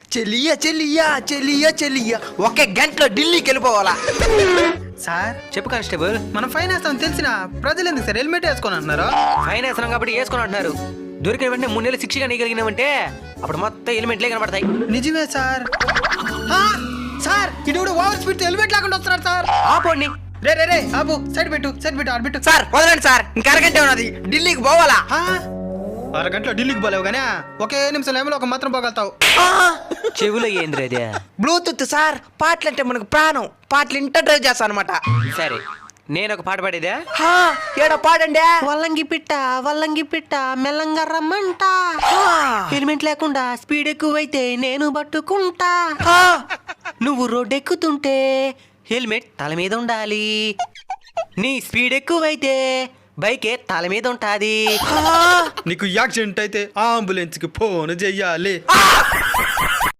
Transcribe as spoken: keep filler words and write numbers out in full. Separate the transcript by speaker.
Speaker 1: చెల్లియా చెల్లియా చెల్లియా చెల్లియా ఒకే గంటలో ఢిల్లీకి వెళ్ళిపోవాలా?
Speaker 2: సార్
Speaker 3: చెప్పు కానిస్టేబుల్.
Speaker 2: మనం ఫైన్ వేస్తామని తెలిసిన ప్రజలు ఎందుకు సార్ హెల్మెట్ వేసుకొని అంటున్నారు?
Speaker 3: ఫైన్ వేస్తున్నాం కాబట్టి వేసుకొని అంటున్నారు. దొరికిన వెంటనే మూడు నెలలు శిక్షగా నీగలిగినామంటే అప్పుడు మొత్తం ఎలిమెంట్లే కనబడతాయి.
Speaker 2: నిజమే సార్. ఆ, సార్ ఇటు ఓవర్ స్పీడ్ హెల్మెట్ లేకుండా వస్తున్నారు సార్.
Speaker 3: ఆపోండి.
Speaker 2: రే రే రే ఆపు, సైడ్ పెట్టు సైడ్ పెట్టు ఆడ పెట్టు.
Speaker 1: సార్ వదలండి సార్, ఇంకా అరగంట ఉన్నది, ఢిల్లీకి పోవాలా?
Speaker 2: ఆ, అరగంటలో ఢిల్లీకి పోలేవు కానీ ఒకే నిమిషం ఏమో ఒక మాత్రం పోగలుగుతావు.
Speaker 1: ఆ,
Speaker 3: చెవులో ఏంద్ర అదే?
Speaker 1: బ్లూటూత్ సార్, పాటలు అంటే మనకు ప్రాణం, పాటలు ఇంట డ్రైవ్ చేస్తా అనమాట.
Speaker 3: సరే నేను ఒక పాట పాడేదా?
Speaker 1: ఏడా పాడండి.
Speaker 3: వల్లంగి పిట్ట వల్లంగి పిట్ట మెల్లంగా రమ్మంట, హెల్మెట్ లేకుండా స్పీడ్ ఎక్కువైతే నేను పట్టుకుంటా, నువ్వు రోడ్ ఎక్కుతుంటే హెల్మెట్ తల మీద ఉండాలి, నీ స్పీడ్ ఎక్కువైతే బైకే తల మీద ఉంటాది.
Speaker 2: నీకు యాక్సిడెంట్ అయితే అంబులెన్స్ కి ఫోన్ చెయ్యాలి.